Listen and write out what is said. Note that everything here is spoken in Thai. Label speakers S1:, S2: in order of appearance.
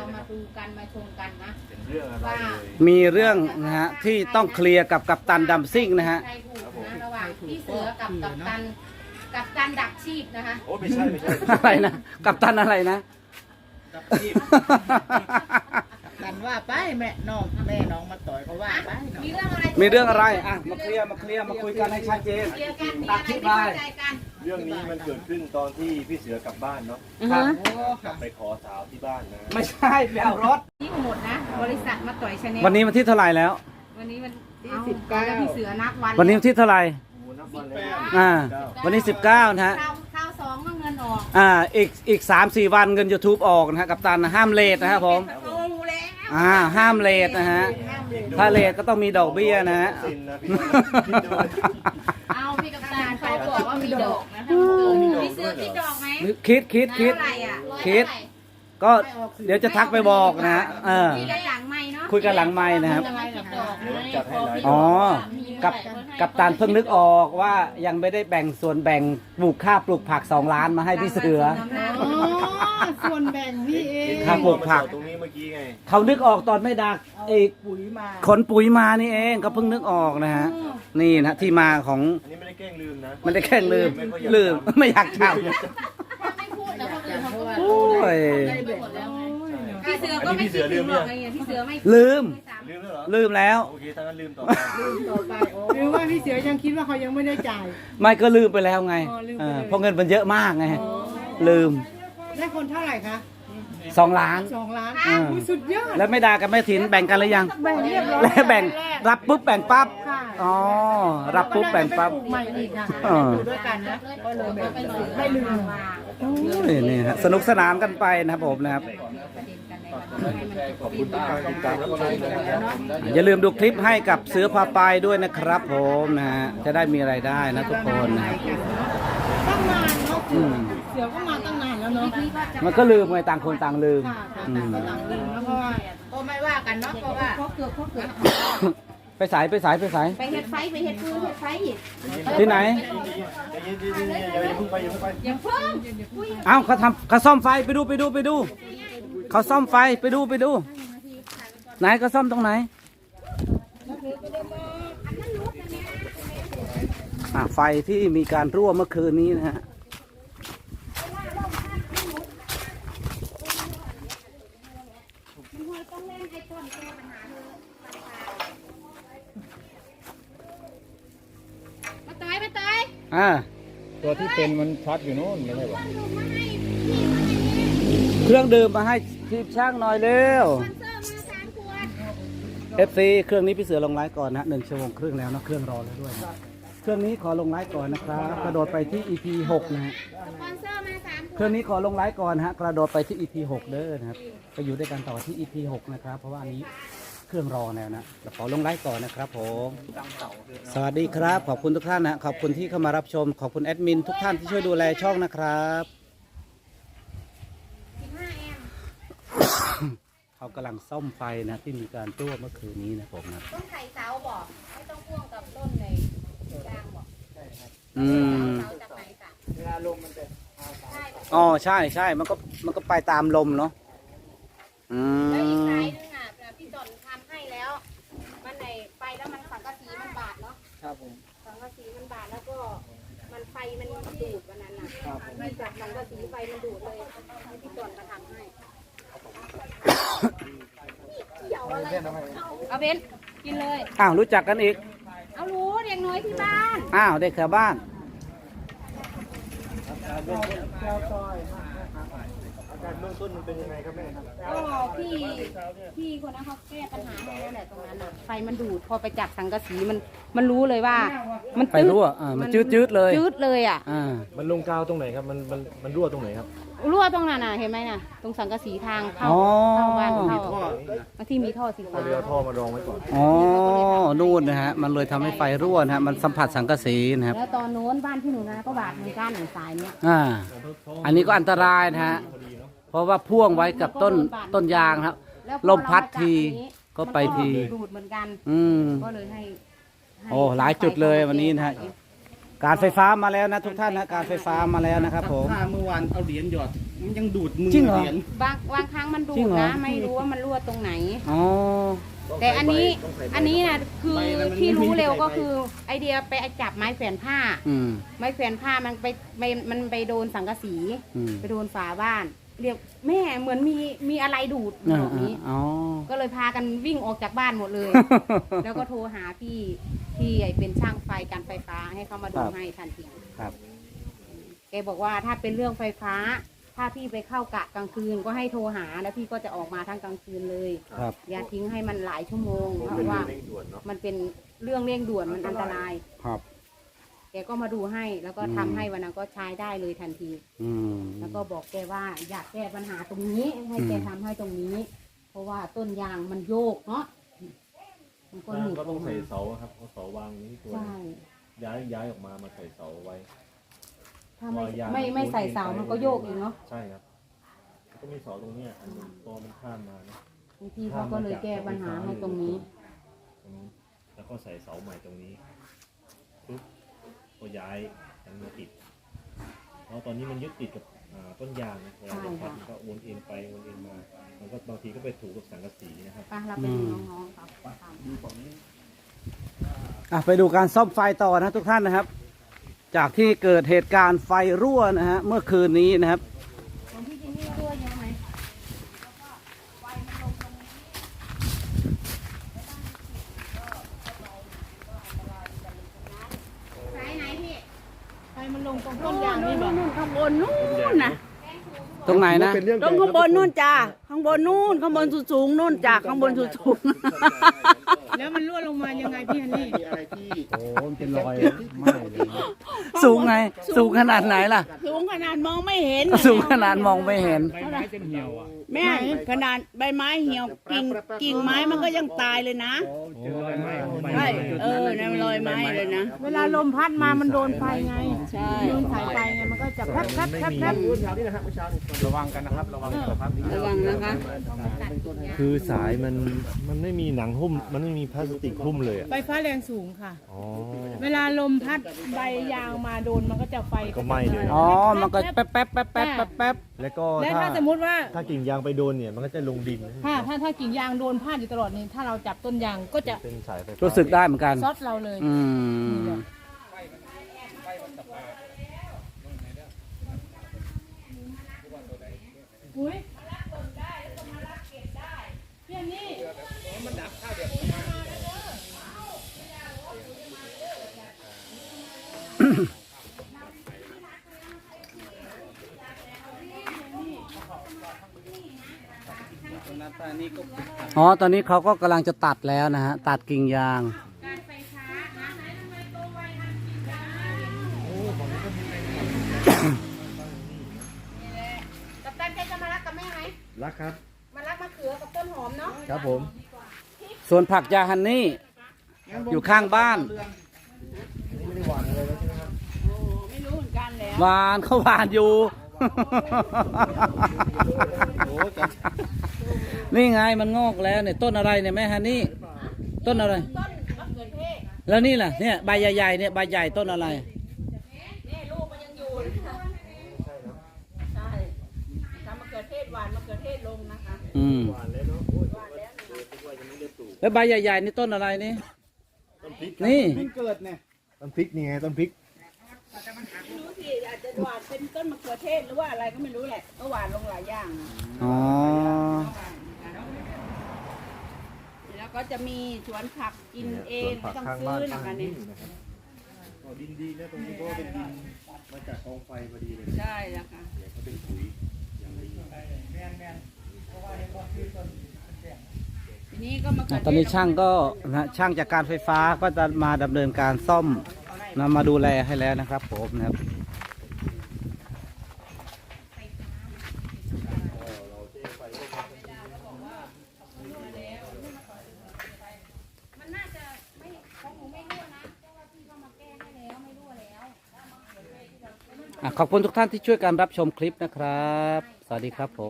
S1: มาดูกันมาชมกันนะ
S2: เป็นเรื่องอะไร
S1: ว่า
S2: เลย
S3: มีเรื่องนะฮะที่ต้องเคลียร์กับกัปตันดัมซิ่งนะฮะ
S1: ใครถูกนะระหว่างพี่เสือกับกัปตันดักชีพนะคะ
S2: โอ้ไม่ใช่ไม่ใช่
S3: อะไรนะกัปตันอะไรนะ
S4: กันว่าไปแม่น้องมาต่อยเขาว่าไปเนาะ
S1: มีเรื่องอะไร
S3: มีเรื่องอะไรอ่ะมาเคลียร์มาคุยกันให้ชัดเจน
S1: เคลียร์กันมี
S3: ตั
S1: อะ
S3: ด
S1: ไร
S3: ที่
S1: ไม่
S3: ไป
S1: เข้าใจกัน
S2: เรื่องนี้มันเกิดขึ้นตอนที่พี่เสือกลับบ้านเนาะ
S3: ครับ
S4: โอ้ค่ะ
S2: ไปขอสาวที่บ้านนะ
S3: ไม่ใช่ไปเอารถ
S1: นี่หมดนะ บริษัทมาต่อยชาแนล
S3: วันนี้วันที่เท่าไหร่แล้ว
S1: วันนี้มันแล้วพี่เสือนับวัน
S3: วันนี้วันที่เท่าไหร่
S2: โอ้นับวันเลย
S3: อ่า วันนี้19นะฮะ
S1: ข้าวสองก็เงินออก
S3: อีก3-4 วันเงิน YouTube ออกนะฮะกัปตันนะห้ามเลทนะครับผม
S1: โอ้แล้ว
S3: ห้ามเลทนะฮะถ้าเลทก็ต้องมีดอกเบี้ยนะฮะ
S2: สินนะพี่คิดดู
S1: เอาพี่กัปตันเขาบอกว่ามีดอกนะคะพี่เสือคิดดอกไหม
S3: คิด
S1: เท่าไหร่อ่ะ
S3: คิด ก็เดี๋ยวจะทักไปบอกนะฮะ
S1: คุยกันหลังไม่เนาะ
S3: คุยกันหลังไม้นะครับ
S1: จะไม่กับดอก
S2: เดี๋ยวจัดให้หลาย
S3: อ๋อ กับตันเพิ่งนึกออกว่ายังไม่ได้แบ่งส่วนแบ่งปลูกข้าวปลูกผัก2 ล้านมาให้พี่เสือ
S4: อ๋อส่วนแบ่งพี่เอง
S3: ครับ ปลูกผัก
S2: ตรงนี้เมื่อกี้ไง
S3: เขานึกออกตอนไม่ดักอีก
S4: ปุ๋ยมา
S3: ขนปุ๋ยมานี่เองก็เพิ่งนึกออกนะฮะนี่นะที่มาของ
S2: อันนี้ไม่ได้แกล้งลืมนะ
S3: มันได้แค่ลืมไม่อยากท
S1: ไม่พูดแล้วคนอื่นเขาก็
S3: ำโอ้ย
S1: ไปหมดแล้วไงพี่เสือก็ไม่คิดถึงหรอกไงพี่เสือไม่
S3: ลืม
S2: ลืมแล้วเหรอ
S3: ลืมแล้ว
S2: โอเคถ้างั้นลืมต่อ
S4: ต่อไปหรือว่าพี่เสือยังคิดว่าเขายังไม่ได้จ่าย
S3: ไม่ก็ลืมไปแล้วไง
S4: อ๋อลืมไปเลย
S3: เพราะเงินมันเยอะมากไงลืม
S4: ได้คนเท่าไหร่คะ
S3: 2 ล้าน
S4: 2 ล้าน
S3: อ่า
S4: อุ๊ยสุดยอด
S3: แล้วไม่ด่ากับแม่ถินแบ่งกันหรือยัง
S4: แบ่งเรียบร้อย
S3: แล้วแบ่งรับปุ๊บแบ่งปั๊บ
S4: ค่ะ
S3: อ๋อรับปุ๊บแบ่งปั๊บ
S4: ปลูกใหม่อีกค่ะ
S3: อ่า
S4: อยู่ด้วยกันนะก็เลยแบบไม่ลืม
S3: โอ้ยนี่ฮะสนุกสนานกันไปนะครับผมนะครับ
S2: ขอบคุณทุกการติดตามรับชมนะครับ
S3: อย่าลืมดูคลิปให้กับเสือพาไปด้วยนะครับผมนะฮะจะได้มีรายได้นะทุกคนนะครับ
S4: ตั้งนานเนาะ
S3: อืม
S4: เสือก็มาตั้งนานแล้วเนาะ
S3: มันก็ลืมไงต่างคนต่างลืม
S4: ค่ะ
S3: อื
S4: ต่าง
S3: ม
S4: คนต่างลืมแล้วเพราะว่า
S1: ก็ไม่ว่ากันเนาะเพราะว่าเขาเกือบ
S3: ไปสาย
S1: ไปเฮ็ดไฟไปเฮ็ดฟืนเฮ็ดไฟอีก
S3: ที่ไหน
S2: อย่าเพิ่งไปอย่าเพิ่งไป
S1: อย่าเพิ่ง
S3: เอ้าเขาซ่อมไฟไปดูเขาซ่อมไฟไปดูไหนเขาซ่อมตรงไหนไฟที่มีการรั่วเมื่อคืนนี้นะฮะ
S1: มาตายมาตาย
S5: ตัวที่เป็นมันช็อตอยู่นู้นไม่ใช่หรอ
S3: เครื่องดื่มมาให้ทีมช่างหน่อยเร็ว
S1: สปอนเซอร์มา3 ขวด
S3: FC เครื่องนี้พี่เสือลงไลฟ์ก่อนนะ1 ชั่วโมงครึ่งแล้วนะเครื่องรอแล้วด้วยนะเครื่องนี้ขอลงไลฟ์ก่อนนะครับกระโดดไปที่ EP 6นะฮะ
S1: สปอนเซอร์มา3 ข
S3: เคว รื่
S1: ด
S3: องนี้ขอลงไลฟ์ก่อนนะฮะกระโดดไปที่ EP 6เด้อนะครับไปอยู่ด้วยกันต่อที่ EP 6นะครับเพราะว่าอันนี้เครื่องรอแล้วนะขอลงไลฟ์ก่อนนะครับผมสวัสดีครับขอบคุณทุกท่านนะขอบคุณที่เข้ามารับชมขอบคุณแอดมินทุกท่านที่ช่วยดูแลช่องนะครับ
S1: 15 แอมป์
S3: เขากำลังซ่อมไฟนะที่มีการรั่วเมื่อคืนนี้นะผมนะ
S1: ต้นไข่เสาบอกไม่ต้องพ่วงกับต้นในกลางบอก
S3: อืม
S1: เสาจากไหนจ้ะ
S4: เวลาลมมันจะ
S1: ใช่
S3: อ๋อใช่มันก็ไปตามลมเนาะอื
S1: แล้วอีก
S3: ม
S1: สายนึงอ่ะพี่จอนทำให้แล้ว มันไหนไปแล้วมันสังกะสีมันบาดเนาะ
S4: ครับผม
S1: สังกะสีมันบาดแล้วก็มันไฟมันดูดวันนั้นน่ะไม่จากสังกะสีไฟมันดูดเลยให้พี่จอนมาทำให้เอาเบนกินเลย
S3: อ้าวรู้จักกันอีก
S1: เอารู้เด็กน้อยที่บ้าน
S3: อ้าวเด็กแถวบ้าน
S2: อาการเบื้องต้นมันเป็นยังไงครับแม่ครับ
S1: ก็พี่คนนั้นเขาแก้ปัญหาให้แล้วแหละตรงนั้นน่ะไฟมันดูดพอไปจับสังกะสีมันรู้เลยว่า มัน
S3: ไฟรั่วมันจืดเลย
S1: จืดเลยอ่ะ
S2: มันลงกาวตรงไหนครับมันรั่วตรงไหนครับ
S1: รั่วตรงนั้นน่ะเห็นไหมน่ะตรงสังกะสีทางเข้า
S3: อ๋อ
S1: เข้าบ้านเข้าบางที่มีท่อสีฟ้า
S2: เรือท่อมารองไว้ก่อน
S3: อ๋อนู่นนะฮะมันเลยทำให้ไฟรั่วนะฮะมันสัมผัสสังกะสีนะครับ
S1: แล้วตอนโน้นบ้านที่หนูนะก็บาดเหมือนกันสายเนี้ย
S3: อันนี้ก็อันตรายนะฮะเพราะว่าพ่วงไว้กับต้นยางครับ
S1: แล้วพอ
S3: ลมพัดที
S1: เรามาจับอย่างนี้
S3: ก็ไปที
S1: มันก็ดูดเหมือนกัน
S3: อืม
S1: ก็เลยให้
S3: โอ้หลายจุดเลยวันนี้นะฮะ การไฟฟ้ามาแล้วนะทุกท่านนะการไฟฟ้ามาแล้วนะครับผม
S5: ถ้าเมื่อวานเอาเหรียญหยอด
S4: มันยังดูดมือ
S3: จริงเหรอ
S4: รียญ
S1: บางครั้งมันดู
S3: จริ
S1: ด
S3: งเหรอ
S1: นะไม่รู้ว่ามันรั่วตรงไหน
S3: อ๋อ
S1: แต่อันนี้นะคือที่รู้เร็วก็คือไอเดียไปจับไม้แขวนผ้า
S3: อืม
S1: ไม้แขวนผ้ามันไปโดนสังกะสี
S3: อืม
S1: ไปโดนฝาบ้าน เรียกแม่เหมือนมีอะไรดูดแบบนี้
S3: อ๋อ
S1: ก็เลยพากันวิ่งออกจากบ้านหมดเลย แล้วก็โทรหาพี่ที่เป็นช่างไฟการไฟฟ้าให้เขามาดู
S3: ครับ
S1: ให้ทันที
S3: ครับ
S1: แกบอกว่าถ้าเป็นเรื่องไฟฟ้า ถ้าพี่ไปเข้ากะกลางคืนก็ให้โทรหาแล้วพี่ก็จะออกมาทั้งกลางคืนเลย
S3: ครับ
S1: อย่าทิ้งให้มันหลายชั่วโมงเพราะว่ามันเป็นเรื่องเร่งด่วนมันอันตราย
S3: ครับ
S1: แกก็มาดูให้แล้วก็ทำให้วันนั้นก็ใช้ได้เลยทันที
S3: อืม
S1: แล้วก็บอกแกว่าอยากแก้ปัญหาตรงนี้ให้แกทำให้ตรงนี้ เพราะว่าต้นยางมันโยกเนาะมันก็หนีบ
S2: ก็ต้องใส่เสาครับเอาเสาวางนี้ตัว
S1: ใช่
S2: ย้ายออกมาใส่เสาไว้
S1: ถ้าไม่ใส่เสามันก็โยกเองเนาะ
S2: ใช่ครับก็มีเสาตรงเนี้ยอันหนึงตัวมันข้ามมานะ
S1: บางทีเขาก็เลยแก้ปัญหาให้ตรงนี้
S2: ตรงนี้แล้วก็ใส่เสาใหม่ตรงนี้ปุ๊บก็ย้ายอันมาติดแล้วตอนนี้มันยึดติดกับต้นยางนะเวลาเราพัดมันก็วนเอ็นไปวนเอ็นมามันก็บางทีก็ไปถูกกับสังกะสีนะครับ
S1: ไปเราเป็นน้องๆครับ
S3: ไปดูการซ่อมไฟต่อนะทุกท่านนะครับ จากที่เกิดเหตุการณ์ไฟรั่วนะฮะเมื่อคืนนี้นะครับ
S1: ของพี่จินนี่รั่วเยอะไหมสายไหนพี่
S4: ไฟมันลงตรงต้นยางนี่บอก
S6: นู่นข้างบนนู่นนะ
S3: ตรงไหนนะ
S6: ตรงข้างบนนู่นจ้าข้างบนนู่นข้างบนสูงๆนู่นจ้าข้างบนสูง
S4: แล้วมันรั่วลงมายังไงพี่ฮันนี่
S5: โอ้มันเป็นรอยไหม้เลยนะ
S3: สูงไง สูงขนาดไหนล่ะ
S6: ๆสูงขนาดมองไม่เห็น
S3: สูงขนาดมองไม่เห็น
S5: ใบไม้จนเหี่ยวอ่ะ
S6: แม่ขนาดใบไม้เหี่ยวกิ่งไม้มันก็ยังตายเลยนะ
S5: เจอรอยไหม้ของใบ
S6: ใช่
S5: ไม้
S6: นั่นรอยไม้เลยนะ
S4: เวลาลมพัดมามันโดนไฟไง
S6: ใช่
S4: โดนสายไฟไงมันก็จะแป๊บแป๊บแป๊บแป๊บ
S5: ระวังกันนะครับ ระวังสุขภาพ
S6: ระวังนะคะ
S2: คือสายมันไม่มีหนังหุ้มมันไม่มีพลาสติกหุ้มเลยอ่ะ
S4: ไฟฟ้าแรงสูงค่ะ
S2: อ๋อ
S4: เวลาลมพัดใบยางมาโดนมันก็จะไฟ
S2: ก็ไหม้เลย
S3: อ๋อ มันก็แป๊บแป๊บแป๊บแป๊บแป๊บแป๊บ
S2: แล้วก็
S4: และถ้าสมมุติว่า
S2: ถ้ากิ่งยางไปโดนเนี่ยมันก็จะลงดิน
S4: ถ้ากิ่งยางโดนพาดอยู่ตลอดนี่ถ้าเราจับต้นยางก็จะ
S2: เป็นสายไฟฟ้า
S3: รู้สึกได้เหมือนกัน
S4: ซอดเราเลย
S3: อืม
S4: อุ้ยพี่อันนี่
S3: อ๋อ ตอนนี้เขาก็กำลังจะตัดแล้วนะฮะ ตัดกิ่งยาง
S1: กับตันแกจะมารักกับแม่ไหม
S2: รักครับ
S1: มารักมะเขือกับต้นหอมเนาะ
S2: ครับผม
S3: ส่วนผักยาฮันนี่ อยู่ข้างบ้าน
S6: ไม่รู้เหมือนกันแล้ว
S3: หวานเขาหวานอยู่ นี่ไงมันงอกแล้วเนี่ยต้นอะไรเนี่ยแม่ฮันนี่ ต้นอะไร
S1: ต้นมะเขือเทศ
S3: แล้วนี่ล่ะเนี่ยใบใหญ่ๆเนี่ยใบใหญ่ต้นอะไร
S1: นี่ลูกมันยังอยู่ใช่ทำมะเขือเทศหวานมะเขือเทศลงนะคะ
S3: อืมแล้วใบใหญ่ๆนี่ต้นอะไรนี่ นี่
S2: ต้นพริกนี่ไงต้นพริก
S6: ไม่รู้สิอาจจะหวานเป็นต้นมะเขือเทศหรือว่าอะไรก็ไม่รู้แหละก็หวานลงหลายอย่าง
S3: อ๋อ
S6: แล้วก็จะมีสวนผักกินเองไม่ต้องซื้อนะคะเนี่ย
S2: ดินดีนะตรงนี้เพราะว่าเป็นดินมาจากกองไฟพอดีเลย
S6: ใช่แล้วค่ะ
S2: เดี๋ยวเขาเป็นปุ๋ยอย่างดี
S6: ทีนี้ก็มะเขือเทศ
S3: ตอนนี้ช่างก็นะช่างจากการไฟฟ้าก็จะมาดำเนินการซ่อมนะมาดูแลให้แล้วนะครับผมนะครับ
S1: มันน่าจะไม่ของหนูไม่รั่วนะเพราะว่าพี่เขามาแก้ให้แล้วไม่รั่วแล้ว
S3: ขอบคุณทุกท่านที่ช่วยการรับชมคลิปนะครับ สวัสดีครับผม